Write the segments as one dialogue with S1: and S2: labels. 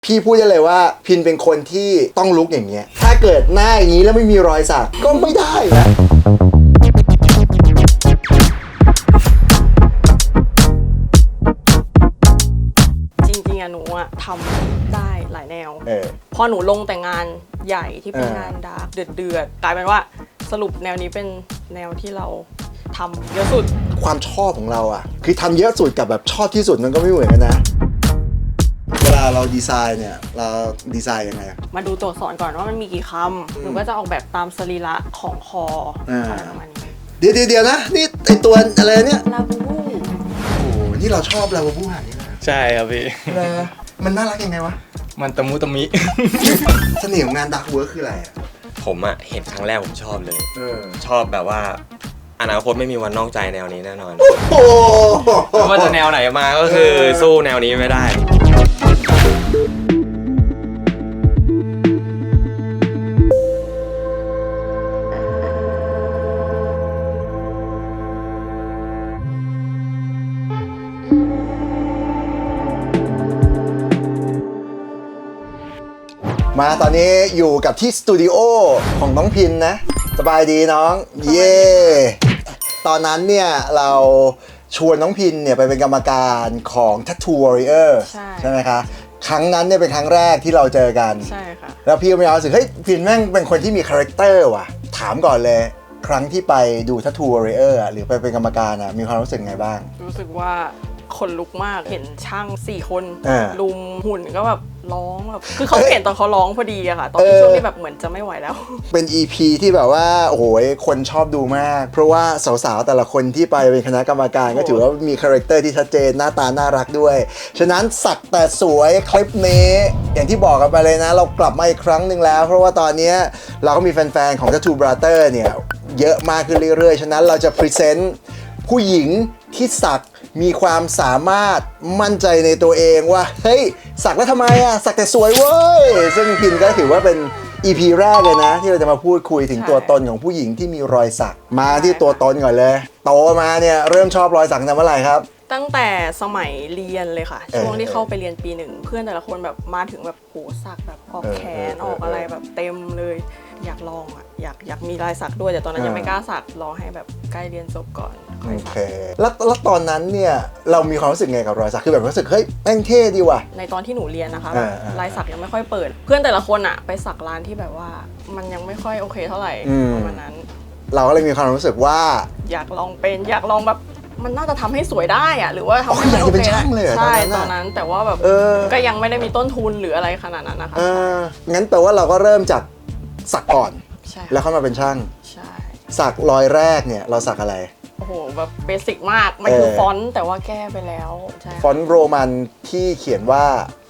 S1: พี่พูดได้เลยว่าพินเป็นคนที่ต้องลุกอย่างเงี้ยถ้าเกิดหน้าอย่างนี้แล้วไม่มีรอยสักก็ไม่ได้นะ
S2: จริงๆอะหนูอะทำได้หลายแนวพอหนูลงแต่งานใหญ่ที่เป็นงานดาร์กเดือดกลายเป็นว่าสรุปแนวนี้เป็นแนวที่เราทำเยอะสุด
S1: ความชอบของเราอะคือทำเยอะสุดกับแบบชอบที่สุดมันก็ไม่เหมือนกันนะเวลาเราดีไซน์เนี่ยเราดีไซน์ยังไง
S2: มาดูตัวอักษรก่อนว่ามันมีกี่คำหนูก็จะออกแบบตามสรีระของคออะไรประมาณนี้
S1: เดี๋ยวนะนี่ไอตัวอะไรเนี่ย
S2: ลาบูบู
S1: โอ้นี่เราชอบลาบูบูแบบนี้นะ
S3: ใช่ครับพี่
S1: นะมันน่ารักยังไงวะ
S3: มันตะมุตะมิ
S1: เสน่ห์ของงานดาร์กเวิร์คคืออะไรอะ
S4: ผมอะเห็นครั้งแรกผมชอบเลยชอบแบบว่าอนาคตไม่มีวันนอกใจแนวนี้แน่นอนไม่ว่าจะแนวไหนมาก็คือสู้แนวนี้ไม่ได้
S1: มาตอนนี้อยู่กับที่สตูดิโอของน้องพินนะสบายดีน้องเย่ตอนนั้นเนี่ยเราชวนน้องพินเนี่ยไปเป็นกรรมการของ Tattoo Warrior ใช่ไหมคะครั้งนั้นเนี่ยเป็นครั้งแรกที่เราเจอกัน
S2: ใช่ค่ะ
S1: แล้วพี่ก็มีความรู้สึกเฮ้ยพินแม่งเป็นคนที่มีคาแรคเตอร์ว่ะถามก่อนเลยครั้งที่ไปดู Tattoo Warrior หรือไปเป็นกรรมการมีความรู้สึกไงบ้าง
S2: รู้สึกว่าคนลุกมากเห็นช่าง4คนลุมหุ่นก็แบบร้องแบบคือเขาเห็นตอนเขาร้องพอดีอะค่ะตอนที่ช่วงที่แบบเหมือนจะไม่ไหวแล้ว
S1: เป็น EP ที่แบบว่าโอ้โหคนชอบดูมากเพราะว่าสาวๆแต่ละคนที่ไปเป็นคณะกรรมการก็ถือว่ามีคาแรคเตอร์ที่ชัดเจนหน้าตาน่ารักด้วยฉะนั้นสักแต่สวยคลิปนี้อย่างที่บอกกันไปเลยนะเรากลับมาอีกครั้งหนึ่งแล้วเพราะว่าตอนนี้เราก็มีแฟนๆของ Tattoo Brother เนี่ยเยอะมากขึ้นเรื่อยๆฉะนั้นเราจะพรีเซนต์ผู้หญิงที่สักมีความสามารถมั่นใจในตัวเองว่าเฮ้ยสักแล้วทำไมอะสักแต่สวยเว้ยซึ่งพินก็ถือว่าเป็น EP แรกเลยนะที่เราจะมาพูดคุยถึงตัวตนของผู้หญิงที่มีรอยสักมาที่ตัวตนก่อนเลยโตมาเนี่ยเริ่มชอบรอยสักตั้งแต่เมื่อไหร่ครับ
S2: ตั้งแต่สมัยเรียนเลยค่ะช่วงที่เข้าไปเรียนปี1เพื่อนแต่ละคนแบบมาถึงแบบโหสักแบบออกแขนออกอะไรแบบเต็มเลยอยากลองอ่ะอยากมีลายสักด้วยแต่ตอนนั้นยังไม่กล้าสักรอให้แบบใกล้เรียนจบก่อน
S1: โอเคแล้วตอนนั้นเนี่ยเรามีความรู้สึกไงกับรอยสักคือแบบรู้สึกเฮ้ยแม่งเท่ดีว่ะ
S2: ในตอนที่หนูเรียนนะคะลายสักยังไม่ค่อยเปิดเพื่อนแต่ละคนอ่ะไปสักร้านที่แบบว่ามันยังไม่ค่อยโอเคเท่าไหร่ประมาณนั้น
S1: เราก็เลยมีความรู้สึกว่า
S2: อยากลองแบบมันน่าจะทำให้สวยได้อะหรือว่าทำให้
S1: มันโอเคใ
S2: ช่ตอนนั้นแต่ว่าแบบก็ยังไม่ได้มีต้นทุนหรืออะไรขนาดนั้นนะคะ
S1: งั้นแปลว่าเราก็เริ่มจากสักก่อนแล้วเข้ามาเป็นช่าง
S2: ใช่
S1: สักรอยแรกเนี่ยเราสักอะไร
S2: โอ้โหแบบเบสิกมากมันคือฟอนต์แต่ว่าแก้ไปแล้วใช่
S1: ฟอนต์โรมันที่เขียนว่า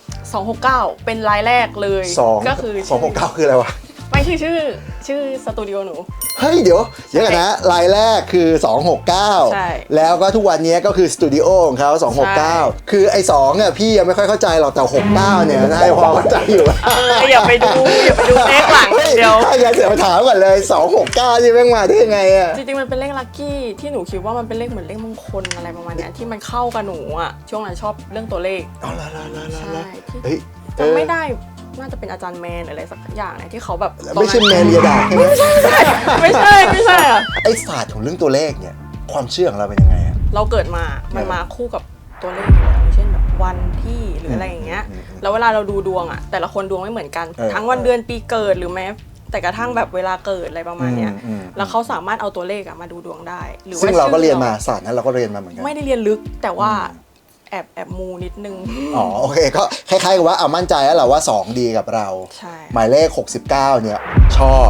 S2: 269เป็นลายแรกเลยก็คือ
S1: 269คืออะไรวะ
S2: ไม่ชื่อสตูดิโอหนู
S1: เฮ้ยเดี๋ยวกันนะลายแรกคือ269
S2: ใช่
S1: แล้วก็ทุกวันนี้ก็คือสตูดิโอของเขา269คือไอ้2เนี่ยพี่ยังไม่ค่อยเข้าใจหรอกแต่69เนี่ยนายพอเข้าใจอยู่
S2: อย่าไปดูเลขหลังเดียว
S1: ถ้าอย่างนั้นเสียมาถามก่อนเลย269นี่แม่งมาได้ยังไงอะ
S2: จริงๆมันเป็นเลขลัคกี้ที่หนูคิดว่ามันเป็นเลขเหมือนเลขมงคลอะไรประมาณนี้ที่มันเข้ากับหนูอะช่วงนั้นชอบเรื่องตัวเลข
S1: อ๋อ
S2: ใช่จำไม่ได้น่าจะเป็นอาจารย์แมนอะไรสักอย่างเนี่ยที่เขาแบบ
S1: ไม่ใช่แมนเรียดา
S2: ไม่ใช่อะ
S1: ไอศาสตร์ของเรื่องตัวเลขเนี่ยความเชื่อของเราเป็นยังไงอะ
S2: เราเกิดมามันมาคู่กับตัวเลขอยู่แล้วเช่นแบบวันที่หรืออะไรอย่างเงี้ยแล้วเวลาเราดูดวงอะแต่ละคนดวงไม่เหมือนกันทั้งวันเดือนปีเกิดหรือแม้แต่กระทั่งแบบเวลาเกิดอะไรประมาณเนี้ยแล้วเขาสามารถเอาตัวเลขมาดูดวงได้
S1: หรือว่าซึ่งเราก็เรียนมาศาสตร์นั้นเราก็เรียนมาเหมือนกัน
S2: ไม่ได้เรียนลึกแต่ว่าแอบมูนิดนึง
S1: อ๋อโอเคก็คล้ายๆกับว่าเอามั่นใจแล้วแหละว่า2ดีกับเรา
S2: ใช่
S1: หมายเลข69เนี่ยชอบ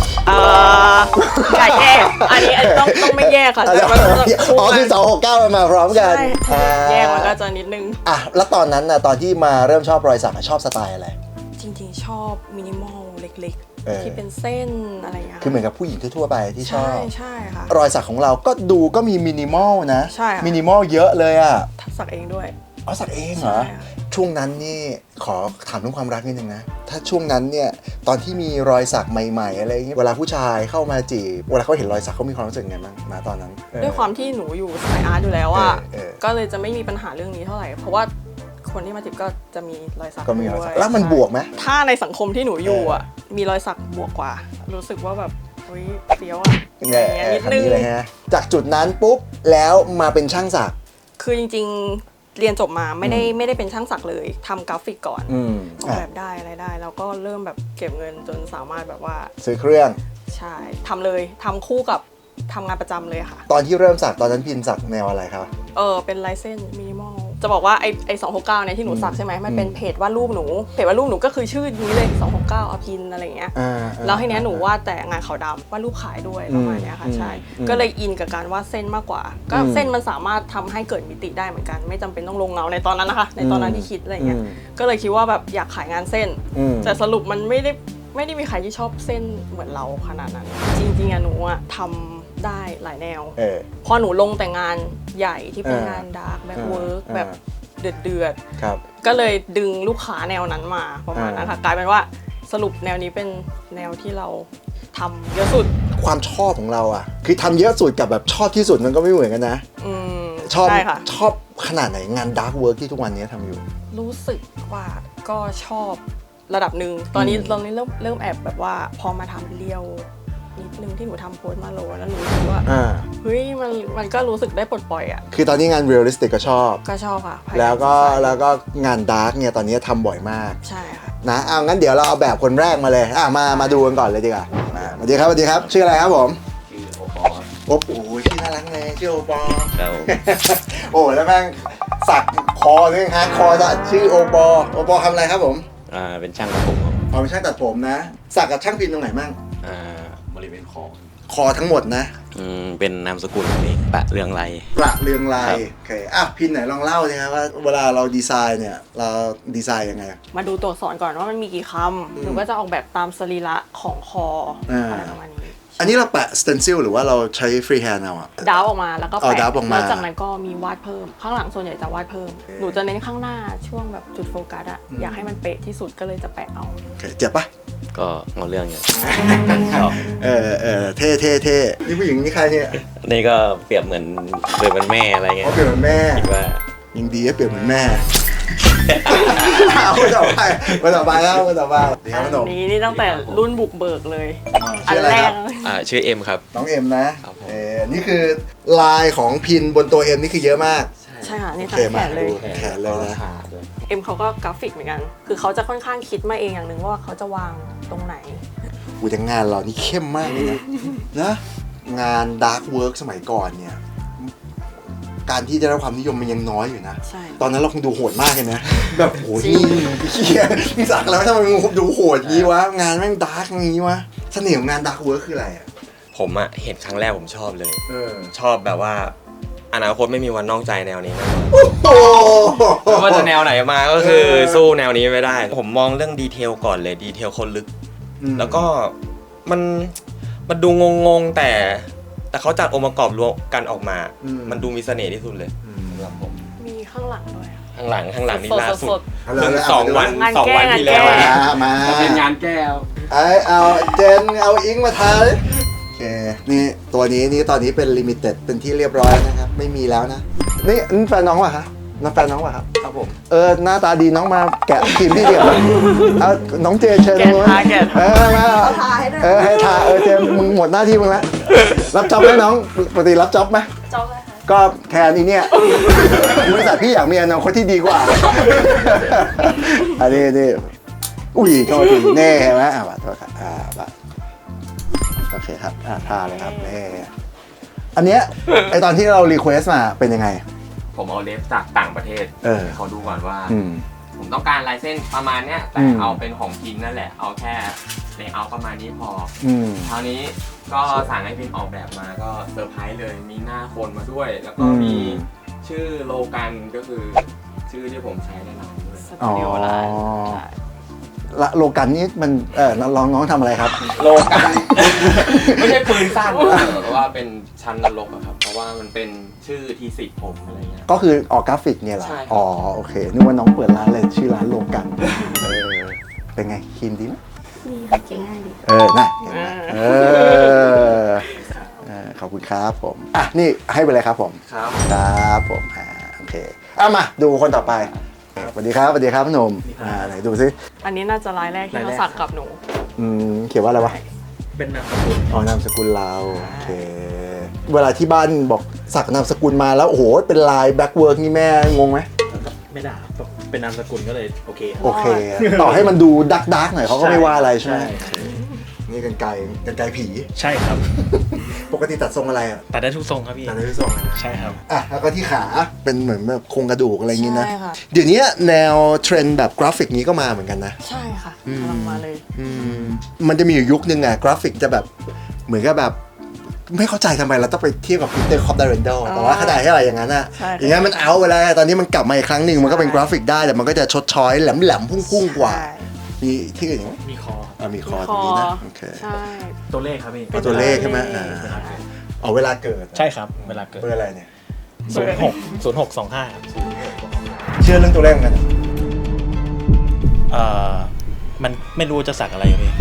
S2: อย่าแยกอันนี้ต้องไม่แยกค่ะ
S1: อ๋อคือ269มันมาพร้อมกัน
S2: แยกมันก็จะนิดนึง
S1: แล้วตอนนั้นนะตอนที่มาเริ่มชอบรอยสักชอบสไตล์อะไร
S2: จริงๆชอบมินิมอลเล็กๆที่เป็นเส้นอะไรอย่างเงี้ย
S1: คือเหมือนกับผู้หญิงทั่วไปที่ชอบ
S2: ใช่ค่ะ
S1: รอยสักของเราก็ดูก็มีมินิมอลนะ
S2: ใช่
S1: มินิมอลเยอะเลยอ่ะ
S2: สักเองด้วย
S1: อ๋อสักเองเหรอช่วงนั้นนี่ขอถามเรื่องความรักนิดนึงนะถ้าช่วงนั้นเนี่ยตอนที่มีรอยสักใหม่ๆอะไรเงี้ยเวลาผู้ชายเข้ามาจีบเวลาเขาเห็นรอยสักเขามีความรู้สึกไงบ้างนะตอนนั้น
S2: ด้วยความที่หนูอยู่สายอาร์ตอยู่แล้วอ่ะก็เลยจะไม่มีปัญหาเรื่องนี้เท่าไหร่เพราะว่าคนที่มาจีบก็จะมีรอยสัก
S1: ก็มีรอยสัก
S2: ด้วย
S1: แล้วมันบวกไหม
S2: ถ้าในสังคมที่หนูอยู่อ่ะมีรอยสักบวกกว่า รู้สึกว่าแบบเฮ้ยเฟี้ยวอ่ะ
S1: เนี่ย
S2: นิดนึง
S1: เลยฮะจากจุดนั้นปุ๊บแล้วมาเป็นช่างสัก
S2: คือจริงๆเรียนจบมาไม่ได้เป็นช่างสักเลยทำกราฟิกก่อนออกแบบได้อะไรได้แล้วก็เริ่มแบบเก็บเงินจนสามารถแบบว่า
S1: ซื้อเครื่อง
S2: ใช่ทำเลยทำคู่กับทำงานประจำเลยค่ะ
S1: ตอนที่เริ่มสักตอนนั้นพินสักแนวอะไรครับ
S2: เป็นลายเส้นมินิมอลจะบอกว่าไอ้269เนี่ยที่หนูสักใช่ไหมมันเป็นเพจวาดรูปหนูเพจวาดรูปหนูก็คือชื่อนี้เลย269อภินอะไรอย่างเงี้ยแล้วทีเนี้ยหนูวาดแต่งานขาวดำวาดรูปขายด้วยประมาณเนี้ยค่ะใช่ก็เลยอินกับการวาดเส้นมากกว่าก็เส้นมันสามารถทำให้เกิดมิติได้เหมือนกันไม่จำเป็นต้องลงเงาในตอนนั้นนะคะในตอนนั้นที่คิดอะไรเงี้ยก็เลยคิดว่าแบบอยากขายงานเส้นแต่สรุปมันไม่ได้มีใครที่ชอบเส้นเหมือนเราขนาดนั้นจริงๆอะหนูอะทำได้หลายแนวพอหนูลงแต่งานใหญ่ที่เป็นงานดาร์กแบบเวิร์กแบบเดือดก็เลยดึงลูกค้าแนวนั้นมาประมาณนั้นค่ะกลายเป็นว่าสรุปแนวนี้เป็นแนวที่เราทำเยอะสุด
S1: ความชอบของเราอ่ะคือทำเยอะสุดกับแบบชอบที่สุดมันก็ไม่เหมือนกันนะชอบขนาดไหนงานดาร์กเวิร์กที่ทุกวันนี้ทำอยู่
S2: รู้สึกว่าก็ชอบระดับหนึ่งตอนนี้เริ่มแอบแบบว่าพอมาทำเรียวนิดนึงที่หนูทำโพสต์มาโลแล้วหนูรู้สึกว่าเฮ้ยมันก็รู้สึกได้ปลดปล่อยอ่ะ
S1: คือตอนนี้งานเรียลลิสติกก็ชอบ
S2: ค่ะ
S1: แล้วก็งานดาร์กเนี่ยตอนนี้ทำบ่อยมาก
S2: ใช่ค่ะ
S1: นะเอางั้นเดี๋ยวเราเอาแบบคนแรกมาเลยมาดูกันก่อนเลยดีกว่าสวัสดีครับชื่ออะไรครับผม
S3: ชื่อโอปอ
S1: โอ้โหชื่อน่ารักเลยชื่อโอปอ
S3: ครับ
S1: โอ้แล้วแม่งสักคอด้วยฮะคอจะชื่อโอปอทำอะไรครับผม
S3: เป็นช่างตัดผม
S1: เป็นช่างตัดผมนะสักกับช่างพิมพ์ตรงไหนมั่ง
S3: บริเวณ
S1: คอทั้งหมดนะ
S3: เป็นนามสกุลเองประเรืองไร
S1: โอเคพินไหนลองเล่าสิครับว่าเวลาเราดีไซน์เนี่ยเราดีไซน์ยังไง
S2: มาดูตัวอักษรก่อนว่ามันมีกี่คำหนูก็จะออกแบบตามสรีระของคออะไรประมาณนี้
S1: อันนี้เราแปะสเตนซิลหรือว่าเราใช้ฟรีแฮนด์เอาอะ
S2: ดาวออกมาแล้วก็แปะ
S1: แล้ว
S2: จากนั้นก็มีวาดเพิ่มข้างหลังส่วนใหญ่จะวาดเพิ่มหนูจะเน้นข้างหน้าช่วงแบบจุดโฟกัสอะอยากให้มันเป๊ะที่สุดก็เลยจะแปะเอา
S1: เจ็บปะ
S3: ก็เอาเรื่องอยู่
S1: ชอบเท่นี่ผู้หญิงนี่ใครเนี่ย
S3: นี่ก็เปรียบเหมือนแม่อะไรเงี้ย
S1: เปรียบเหมือนแม่
S3: คิดว่า
S1: ยังดีเปรียบเหมือนแม่คนต่อไปครับ
S2: นี่ตั้งแต่รุ่นบุกเบิกเลยอันแรก
S3: ชื่อเอ็มครับ
S1: น้องเอ็มนะนี่คือลายของพินบนตัวเอ็มนี่คือเยอะมาก
S2: ใช่ค่ะนี่ทั้งแขนเลย
S1: นะ
S2: เอ็มเขาก็กราฟิกเหมือนกันคือเขาจะค่อนข้างคิดมาเองอย่างหนึ่งว่าเขาจะวางตรงไหน
S1: แต่งานเรานี่เข้มมากเลยนะงานดาร์กเวิร์กสมัยก่อนเนี่ยการที่ได้รับความนิยมมันยังน้อยอยู่นะตอนนั้นเราคงดูโหดมากเลยนะแบบโหนี่สักแล้วทำไมมึงดูโหดงี้วะงานแม่งดาร์กงี้วะเสน่ห์ของงานดาร์กเวิร์กคืออะไรอ่ะ
S4: ผมเห็นครั้งแรกผมชอบเลยชอบแบบว่าอนาคตไม่มีวันนอกใจแนวนี้แน่นอนไม่ว่าจะแนวไหนมาก็คือสู้แนวนี้ไม่ได้ผมมองเรื่องดีเทลก่อนเลยดีเทลคนลึกแล้วก็มันดูงงแต่เขาจัดองค์ประกอบรวมกันออกมามันดูมีเสน่ห์ที่สุดเลยสำหรับผม
S2: มีข้างหลังด้วย
S4: ข้างหลังนี่ล่าสุด2 วันที่แล้ว
S1: มา
S3: เป็นงานแก้ว
S1: เอาเจนเอาอิงมาทายโอเคนี่ตัวนี้ตอนนี้เป็นลิมิเต็ดเป็นที่เรียบร้อยนะครับไม่มีแล้วนะนี่แฟนน้องป่ะคะน้องแฟนน้องป่ะครับ
S3: ครับผม
S1: หน้าตาดีน้องมาแกะทีมที่เดียวเอาน้องเจนเชิญ
S2: มา
S1: มาให้ทาเจนมึงหมดหน้าที่มึงแล้วรับจ็อบไหมน้องปกติรับจ็อบไหม
S2: จ็อบเลยค่ะ
S1: ก็แทนอีเนี่ยบริษัทพี่อยากมีอนาคตที่ดีกว่าอันนี้อุ้ยโทษทีแน่ไหมบัตรโทษครับบัตรโอเคครับทาเลยครับแน่อันเนี้ยไอตอนที่เรารีเควสมาเป็นยังไง
S4: ผมเอาเล็บจากต่างประเทศเขาดูก่อนว่าผมต้องการลายเส้นประมาณเนี้ยแต่เอาเป็นของพินนั่นแหละเอาแค่เลเยอร์ประมาณนี้พอคราวนี้ก็สั่งให้พินออกแบบมาก็เซอร์ไพรส์เลยมีหน้าคนมาด้วยแล้วก็มีชื่อโลกันก็คือชื่อที่ผมใช้ในร้านด้วย
S2: สตูดิโอร้าน
S1: โลกันนี่มันน้องทำอะไรครับ
S4: โลกันไม่ใช่ปืนสั้นแต่ว่าเป็นชั้นนรกครับเพราะว่ามันเป็นชื่อทีสิทธิ์ผมอะไรเงี้ย
S1: ก็คือออกกราฟิกเนี่ยเหรอโอเคนึกว่าน้องเปิดร้านเลยชื่อร้านโลกันเป็นไงครีมดีไหม
S2: ดีค่ะเก่งง่ายดี
S1: ขอบคุณครับผมนี่ให้ไปเลยครับผม
S4: ครับ
S1: ผมโอเคมาดูคนต่อไปสวัสดีครับสวัสดีครับพี่หนุ่มไหนดูซิ
S2: อันนี้น่าจะรายแรกที่มาสักกับหนู
S1: เขียนว่าอะไรวะ
S5: เป็นนามสกุล
S1: อ๋อนามสกุลเราโอเคเวลาที่บ้านบอกสักนามสกุลมาแล้วโอ้โหเป็นลายแบ็คเวิร์กนี่แม่งงไหม
S5: ไม่ด่าครับเป็นนามสกุลก็เลยโอเคครับ
S1: โอเคต่อให้มันดูดักหน่อยเขาก็ไม่ว่าอะไรใช่ไหม
S5: ใช่
S1: นี่กันไกลผี
S5: ใช่ครับ
S1: ปกติตัดทรงอะไรอ่ะ
S5: ตัดได้ทุกทรงครับพี่
S1: ตัดได้ทุกทรงนะ
S5: ใช่ครับ
S1: อ่ะแล้วก็ที่ขาเป็นเหมือนแบบโครงกระดูกอะไรอย่างงี้นะ
S2: ใช่ค่ะ
S1: เดี๋ยวนี้แนวเทรนด์แบบกราฟิกนี้ก็มาเหมือนกันนะ
S2: ใช่ค่ะกำลังมาเลย
S1: มันจะมีอยู่ยุคนึงอะกราฟิกจะแบบเหมือนกับแบบไม่เข้าใจทำไมเราต้องไปเทียบกับ Peter Cop Darrendal แต่ว่าขนาดที่อะไรอย่างนั้นอะ
S2: ใช่
S1: อย่างนั้นมันเอาไปแล้วตอนนี้มันกลับมาอีกครั้งหนึ่งมันก็เป็นกราฟิกได้แต่มันก็จะชดช้อยแหลมพุ่งกว่า
S2: ใช่
S1: มีที่อื่นอีกไหม
S5: มีคอ
S1: มีคอตรงนี้นะโอเค
S2: ใช่
S5: ตัวเลขครับพี่
S1: เอาตัวเลขใช่ไหมเอาเวลาเกิด
S5: ใช่ครับเวลาเกิด
S1: เบอร์อะไรเนี่ย
S5: 0625ครับ
S1: เชื่อเรื่องตัวเลขเหมือนกัน
S5: มันไม่รู้จะสักอะไรครับพี่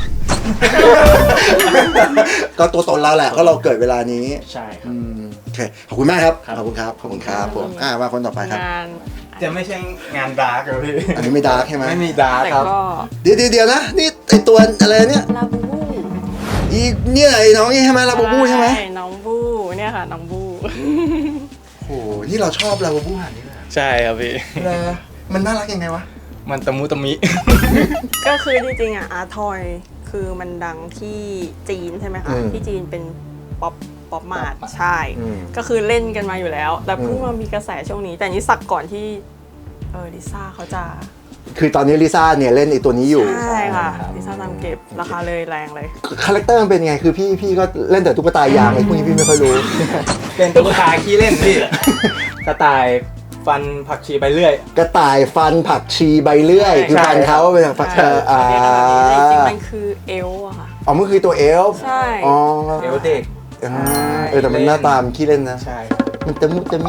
S1: ก็ตัวตนเราแหละเพราะเราเกิดเวลานี้
S5: ใช่ครับ
S1: โอเคขอบคุณมากครับ
S5: ครับ
S1: ขอบคุณครับผมมาคนต่อไปครับ
S2: งาน
S4: จะไม่ใช่งานดาร์กเหรอพี่
S1: อันนี้ไม่ดาร์กใช่ไหม
S4: ไม่มีดาร์ก
S2: แต่
S4: ครับ
S2: ก็
S1: เดี๋ยวนะนี่ไอตัวอะไรเนี่ย
S2: ลาบูบู
S1: อีเนี่ยไอ้น้องนี่ใช่ไหมลาบูบูใช่ไหม
S2: น้องบูเนี่ยค่ะน้องบู
S1: โอ้โหนี่เราชอบลาบูบูหันนี่แหละ
S3: ใช่ครับพี่
S1: มันน่ารักยังไงวะ
S4: มันตะมุตะมิ
S2: ก็คือจริงๆอ่ะอาร์ทอยคือมันดังที่จีนใช่ไหมคะ ที่จีนเป็นป๊อปมาร์ทใช่ ก็คือเล่นกันมาอยู่แล้ว แต่เพิ่งมามีกระแสช่วงนี้ แต่อันนี้สักก่อนที่ลิซ่าเขาจะ
S1: คือตอนนี้ลิซ่าเนี่ยเล่นไอตัวนี้อยู่
S2: ใช่ค่ะลิซ่าตามเก็บราคาเลยแรงเลย
S1: คาแรคเตอร์มันเป็นไงคือพี่ก็เล่นแต่ตุ๊กตายางไอ้พวกนี้พี่ไม่ค่อยรู้
S4: เป็นตุ๊กตาขี้เล่นพี่ กระต่ายฟันผักชีไปเรื่อย
S1: กระต่ายฟันผักชีใบเลื่อย
S2: ใช่
S1: คือฟันเขาเป็นผักชี
S2: จริงๆมันคือเอลอะค่ะ
S1: อ๋อมันคือตัวเอลฟ์
S2: ใช่
S1: อ๋อ
S4: เอวเด็ก
S1: แต่มันหน้าตามขี้เล่นนะ
S4: ใช่
S1: มันตะมุตะมิ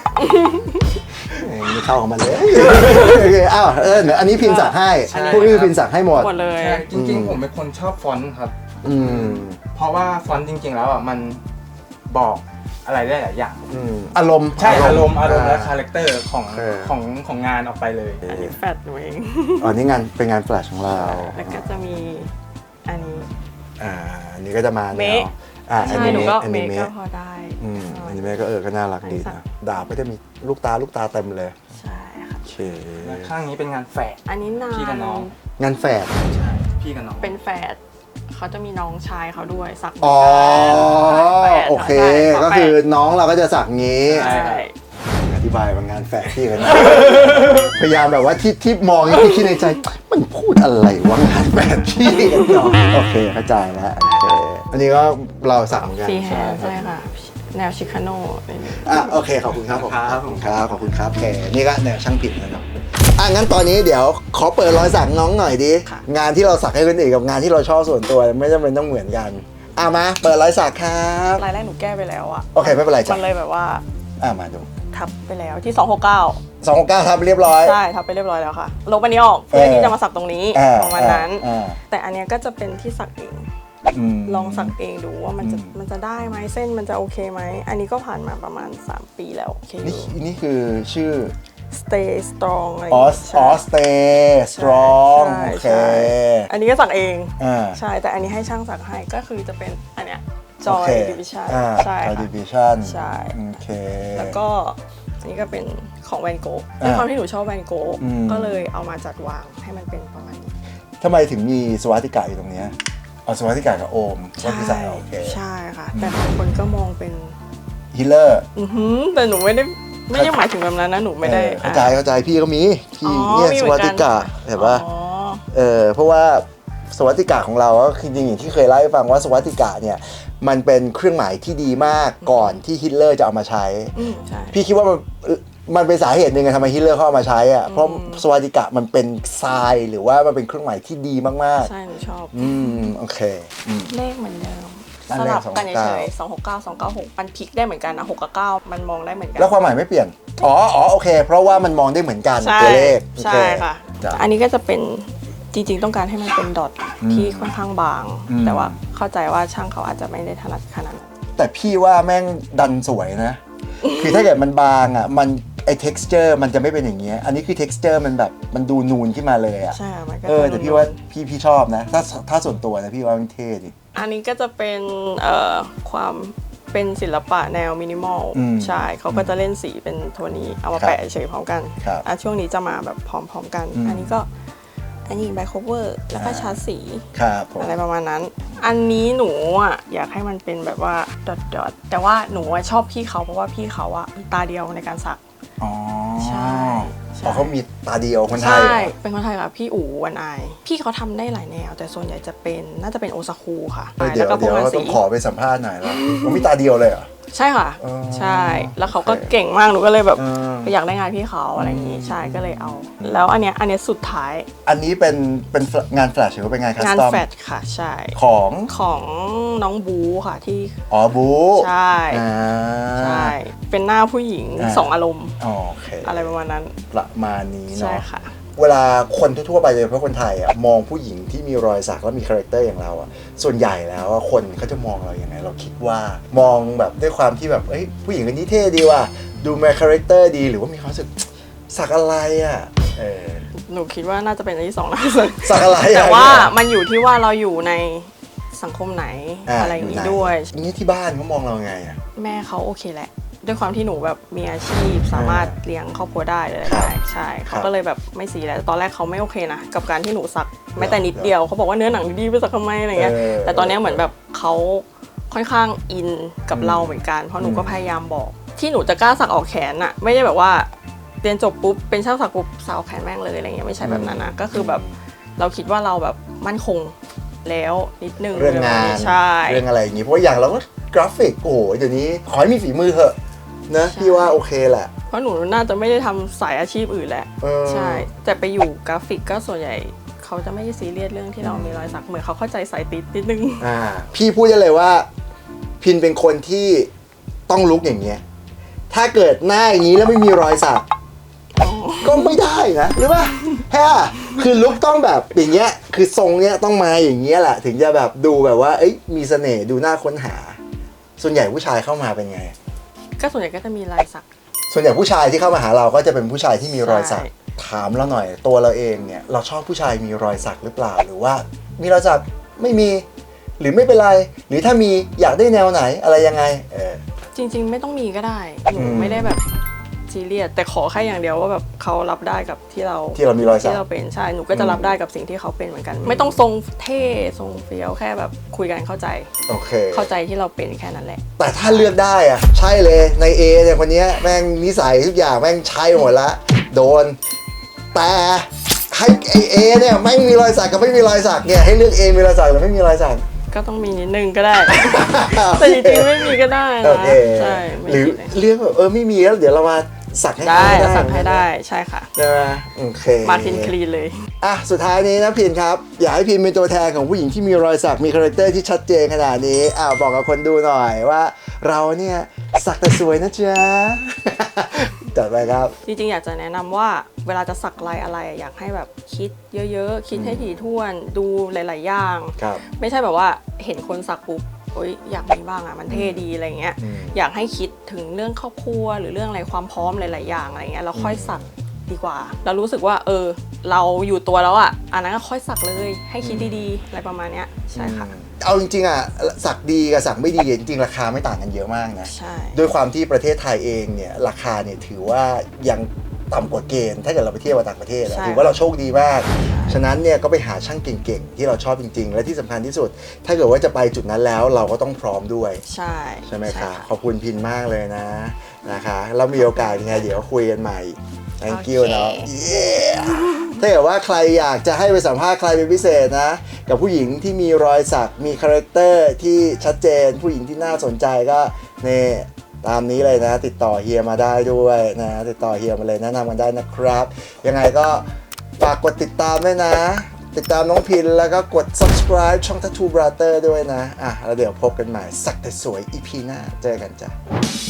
S1: ไม่เข้าของมันเลยโอเคอ้าวอันนี้พิมพ์สักให้พวกนี้พิมพ์สักให้หมด
S2: หมดเลย
S6: จริงๆ ผมเป็นคนชอบฟอนต์ครับ
S1: ม
S6: เพราะว่าฟอนต์จริงๆ แล้วอ่ะมันบอกอะไรได้หลายอย่าง
S1: อารมณ์
S6: ใช่อารมณ์และคาแรคเตอร์ของ
S1: โอเค
S6: ของงานออกไปเลย
S2: อันนี้แฟดหนูเอง
S1: อ๋อนี่งานเป็นงานแฟลชของเรา
S2: แล้วก็จะมีอันนี้
S1: อันนี้ก็จะมาแน
S2: เม
S1: ว
S2: ค
S1: อ
S2: ใช่
S1: นิ
S2: หนู
S1: เมะ
S2: ก็
S1: อ
S2: เม
S1: นิ
S2: คก็
S1: เมะ
S2: พอได้
S1: อนิเมะก็ก็น่ารักดีนะดาบก็จะมีลูกตาเต็มเลย
S2: ใช่ค่ะ
S1: โอเค
S6: และข้างนี้เป็นงานแฝด
S2: อันนี้นา
S6: พี่กับน้อง
S1: งานแฝด
S6: ใช่พี่กับน้อง
S2: เป็นแฝดเขาจะมีน้องชายเขาด้วยสัก
S1: อ๋อ
S2: แฝด
S1: โอเค
S2: ใช่ฝา
S1: ก็
S2: แฝด
S1: คือน้องเราก็จะสักงี้
S2: ใช่
S1: อธิบายว่างานแฝดพี่กันนะ พยายามแบบว่าที่มองที่คิดในใจ มันพูดอะไรวะงานแฝดพี่กันเนาะโอเคเข้าใจแล้วโอเคอันนี้ก็เราสักเหมือนกัน
S2: ฟรีแฮนด์ใช่ค่ะ แนวชิคาโน่อะไรอย่างเงี้ย
S1: โอเคขอบคุณครับขอบคุณครับโอเคนี่ก็แนวช่างผิดนะครับงั้นตอนนี้เดี๋ยวขอเปิดรอยสักน้องหน่อยดิงานที่เราสักให้คนอื่นกับงานที่เราชอบส่วนตัวไม่จำเป็นต้องเหมือนกันมาเปิดรอยสักครับ
S2: รายแรกหนูแก้ไปแล้วอะ
S1: โอเคไม่เป็นไรจ้ะ
S2: มันเลยแบบว่า
S1: มาดู
S2: ทับไปแล้วที่ 269
S1: 269ทับเรียบร้อย
S2: ใช่ทับไปเรียบร้อยแล้วค่ะลบอันนี้ออกเพื่อที่จะมาสักตรงนี้ประมาณนั้น แต่อันเนี้ยก็จะเป็นที่สักเอง ลองสักเองดูว่ามันจะได้ไหมเส้นมันจะโอเคไหมอันนี้ก็ผ่านมาประมาณ3 ปีแล้วโอเคอยู่
S1: นี่คือชื่อ
S2: Stay Strong อะไร
S1: Stay Strong
S2: ใช่
S1: โอเค
S2: ใช่อันนี้ก็สักเอง
S1: อ่า
S2: ใช่แต่อันนี้ให้ช่างสักให้ก็คือจะเป็นอันเนี้ย
S1: โอ
S2: Joy
S1: เค
S2: Division
S1: อ่า
S2: ใช่
S1: Joy
S2: ค่ะ
S1: Division
S2: ใช่
S1: โอเค
S2: แล้วก็อันนี้ก็เป็นของแวนโกะ
S1: อ่า
S2: ด้วยความที่หนูชอบแวนโกะ
S1: อืม
S2: ก็เลยเอามาจัดวางให้มันเป็นประมาณนี้
S1: ทำไมถึงมีสวัสดิกาอยู่ตรงเนี้ยเอาสวัสดิกากับโอมก็คือใส่โอเค
S2: ใช่ค่ะ แต่บางคนก็มองเป็น
S1: ฮิลเลอร์
S2: แต่หนูไม่ได้หมายถึงแบบนั้นนะหนูไม่ได้
S1: เข้าใจพี่ก็มีพี่
S2: อ๋อ
S1: เนี่ย
S2: มี
S1: ส
S2: เหมื
S1: วั
S2: อ
S1: ส
S2: นกัน
S1: ดิกาเห็นปะ
S2: อ๋อ
S1: เพราะว่าสวัสดิกาของเราก็คือจริงอย่างที่เคยเล่าให้ฟังว่าสวัสดิกาเนี่ยมันเป็นเครื่องหมายที่ดีมากก่อนที่ฮิตเลอร์จะเอามาใช้
S2: ใช่
S1: พี่คิดว่ามันเป็นสาเหตุหนึ่งทำไมฮิตเลอร์เขาเอามาใช้อ่ะเพราะสวัสดิกะมันเป็นทรายหรือว่ามันเป็นเครื่องหมายที่ดีมาก
S2: ใช่หนูชอบ
S1: ๆโอเค
S2: เลขเหมือนเดิม
S1: อัน
S2: ส
S1: แรก
S2: ลับกัน
S1: 269
S2: เฉยๆ269 296มันพลิกได้เหมือนกันนะ6กับ9มันมองได้เหมือนกั
S1: แล้วความหมายไม่เปลี่ยนโอเค เพราะว่ามันมองได้เหมือนกัน
S2: ใช่
S1: ตัวเลข
S2: ใช่ค่ะ
S1: จ้ะ
S2: อันนี้ก็จะเป็นจริงๆต้องการให้มันเป็นดอทที่ค่อนข้างบาง แต่ว่าเข้าใจว่าช่างเขาอาจจะไม่ได้ถนัดขนาดนั้น
S1: แต่พี่ว่าแม่งดันสวยนะ คือถ้าเกิดมันบางอ่ะมันไ texture มันจะไม่เป็นอย่างเงี้ยอันนี้คือ texture มันแบบมันดูนูนขึ้นมาเลยอะ
S2: ใช่ค่ะมันก็
S1: แต่พี่ว่าพี่ชอบนะถ้าส่วนตัวนะพี่ว่ามันเท่ดิ
S2: อันนี้ก็จะเป็นความเป็นศิลปะแนวมินิมอล ใช่เขาก็จะเล่นสีเป็นโทนนี้เอามาแปะเฉยพร้อมกัน ช่วงนี้จะมาแบบพร้อมๆกัน อันนี้แบ็คโคเวอร์แล้วก็ชาร์จสีอะไรประมาณนั้น อันนี้หนูอ่ะอยากให้มันเป็นแบบว่าดอทแต่ว่าหนูชอบพี่เขาเพราะว่าพี่เขาอ่ะมีตาเดียวในการสัก
S1: อ๋อ
S2: ใช่
S1: เขามีตาเดียวคนไทย
S2: ใช่เป็นคนไทยค่ะพี่อู๋วันไอพี่เขาทำได้หลายแนวแต่ส่วนใหญ่จะเป็นน่าจะเป็นโอซากุค่ะ
S1: เดี๋ยวต้องขอไปสัมภาษณ์หน่อยแล้วเขามีตาเดียวเลยเหรอ
S2: ใช่ค่ะใช่แล้วเขาก็เก่งมากหนูก็เลยแบบอยากได้งานพี่เขาอะไรอย่างงี้ใช่ก็เลยเอาแล้วอันเนี้ยสุดท้าย
S1: อันนี้เป็นงานแฟลชหรือว่าเป็นงานคัสตอม
S2: งานแฟลชค่ะใช่ของน้องบูค่ะที่
S1: บู
S2: ใช่ใช่เป็นหน้าผู้หญิง2อารมณ์อะไรประมาณนั้น
S1: ประมาณนี้เนาะ
S2: ใช่ค่ะ
S1: เวลาคนทั่วๆไปเลยเพราะคนไทยอ่ะมองผู้หญิงที่มีรอยสักแล้วมีคาแรคเตอร์อย่างเราอ่ะส่วนใหญ่แล้วคนเขาจะมองเราอย่างไงเราคิดว่ามองแบบด้วยความที่แบบผู้หญิงคนนี้เท่ดีว่ะดูมีคาแรคเตอร์ดีหรือว่ามีความรู้สึกสักอะไรอ่ะ
S2: หนูคิดว่าน่าจะเป็นอันที่2นะ
S1: สักอะไร
S2: แต่ว่ามันอยู่ที่ว่าเราอยู่ในสังคมไหนอะไรอย่างนี้ด้วย
S1: นี่ที่บ้านเขามองเราไงอ่ะ
S2: แม่เขาโอเคแหละด้วยความที่หนูแบบมีอาชีพสามารถเลี้ยงครอบครัวได้เลยใช่เขาก็เลยแบบไม่ซีแล้วตอนแรกเขาไม่โอเคนะกับการที่หนูสักแม้แต่นิดเดียวเขาบอกว่าเนื้อหนังดีไปสักทำไมอะไรเงี้ยแต่ตอนนี้เหมือนแบบเขาค่อนข้างอินกับเราเหมือนกันเพราะหนูก็พยายามบอกที่หนูจะกล้าสักออกแขนอะไม่ได้แบบว่าเรียนจบปุ๊บเป็นช่างสักปุ๊บสักออกแขนแม่งเลยอะไรเงี้ยไม่ใช่แบบนั้นนะก็คือแบบเราคิดว่าเราแบบมั่นคงแล้วนิดนึง
S1: เรื่องงาน
S2: ใช่
S1: เรื่องอะไรอย่างงี้เพราะอย่างเราก็กราฟิกโอ้โหเดี๋ยวนี้ขอให้มีฝีมือเถอะนะพี่ว่าโอเคแหละ
S2: เพราะหนูน่าจะไม่ได้ทำสายอาชีพอื่นแหละใช่แต่ไปอยู่กราฟิกก็ส่วนใหญ่เขาจะไม่ได้ซีเรียสเรื่องที่เรามีรอยสักเหมือนเขาเข้าใจสายติดนิดนึง
S1: พี่พูดได้เลยว่าพินเป็นคนที่ต้องลุกอย่างเงี้ยถ้าเกิดหน้าอย่างนี้แล้วไม่มีรอยสักก็ไม่ได้นะหรือว่าคือลุกต้องแบบอย่างเงี้ยคือทรงเนี้ยต้องมาอย่างเงี้ยแหละถึงจะแบบดูแบบว่ามีเสน่ห์ดูน่าค้นหาส่วนใหญ่ผู้ชายเข้ามาเป็นไง
S2: ก็ส่วนใหญ่ก็จะมีรอยสัก
S1: ส่วนใหญ่ผู้ชายที่เข้ามาหาเราก็จะเป็นผู้ชายที่มีรอยสักถามเราหน่อยตัวเราเองเนี่ยเราชอบผู้ชายมีรอยสักหรือเปล่าหรือว่ามีรอยสักไม่มีหรือไม่เป็นไรหรือถ้ามีอยากได้แนวไหนอะไรยังไง
S2: จริงๆไม่ต้องมีก็ได้หนูไม่ได้แบบซีเรียสแต่ขอแค่อย่างเดียวว่าแบบเขารับได้กับที่เรา
S1: มีรอยสัก
S2: ที่เราเป็นใช่หนูก็จะรับได้กับสิ่งที่เขาเป็นเหมือนกันไม่ต้องทรงเท่ทรงเฟี้ยวแค่แบบคุยกันเข้าใจเข้าใจที่เราเป็นแค่นั้นแหละ
S1: แต่ถ้าเลือกได้อะใช่เลยในเอเนี่ยคนนี้แม่งนิสัยทุกอย่างแม่งใช่หมดละโดนแต่ให้เอเนี่ยไม่มีรอยสักกับไม่มีรอยสักเนี่ยให้เลือกเอมีรอยสักหรือไม่มีรอยสัก
S2: ก็ต้องมีนิดนึงก็ได้แต่จริงๆไม่มีก็ได้นะใช่
S1: หรือเลือกแบบไม่มีแล้วเดี๋ยวเรามาสักให้
S2: ได้สักให้ได้ใช่ค่ะ
S1: ใช่ไหมโอเค
S2: มาทินคลีนเลย
S1: สุดท้ายนี้นะพินครับอยากให้พินเป็นตัวแทนของผู้หญิงที่มีรอยสักมีคาแรคเตอร์ที่ชัดเจนขนาดนี้บอกกับคนดูหน่อยว่าเราเนี่ยสักแต่สวยนะจ๊ะจัดไปครับ
S2: จริงๆอยากจะแนะนำว่าเวลาจะสักลายอะไรอยากให้แบบคิดเยอะๆคิดให้ถี่ถ้วนดูหลายๆอย่างไม่ใช่แบบว่าเห็นคนสักปุ๊บอยากมีบ้างมันเท่ดีอะไรเงี้ยอยากให้คิดถึงเรื่องครอบครัวหรือเรื่องอะไรความพร้อมหลายๆอย่างอะไรเงี้ยเราค่อยสักดีกว่าเรารู้สึกว่าเราอยู่ตัวแล้วอันนั้นก็ค่อยสักเลยให้คิดดีๆอะไรประมาณเนี้ยใช่ค่ะ
S1: เอาจริงๆสักดีกับสักไม่ดีจริงๆราคาไม่ต่างกันเยอะมากนะ
S2: ใช่
S1: ด้วยความที่ประเทศไทยเองเนี่ยราคาเนี่ยถือว่ายังต่ำกว่าเกณฑ์ถ้าเกิดเราไปเที่ยวต่างประเทศถือว่าเราโชคดีมากฉะนั้นเนี่ยก็ไปหาช่างเก่งๆที่เราชอบจริงๆและที่สำคัญที่สุดถ้าเกิดว่าจะไปจุดนั้นแล้วเราก็ต้องพร้อมด้วยใช่ไหมคะขอบคุณพินมากเลยนะคะแล้วมีโอกาสยังไงเดี๋ยวคุยกันใหม่ thank you เนาะถ้าเกิดว่าใครอยากจะให้ไปสัมภาษณ์ใครเป็นพิเศษนะกับผู้หญิงที่มีรอยสักมีคาแรคเตอร์ที่ชัดเจนผู้หญิงที่น่าสนใจก็นี่ตามนี้เลยนะติดต่อเฮียมาได้ด้วยนะติดต่อเฮียมาเลยแนะนำกันได้นะครับยังไงก็ฝากกดติดตามด้วยนะติดตามน้องพินแล้วก็กด subscribe ช่อง Tattoo Brother ด้วยนะแล้วเดี๋ยวพบกันใหม่สักแต่สวย EP หน้าเจอกันจ้ะ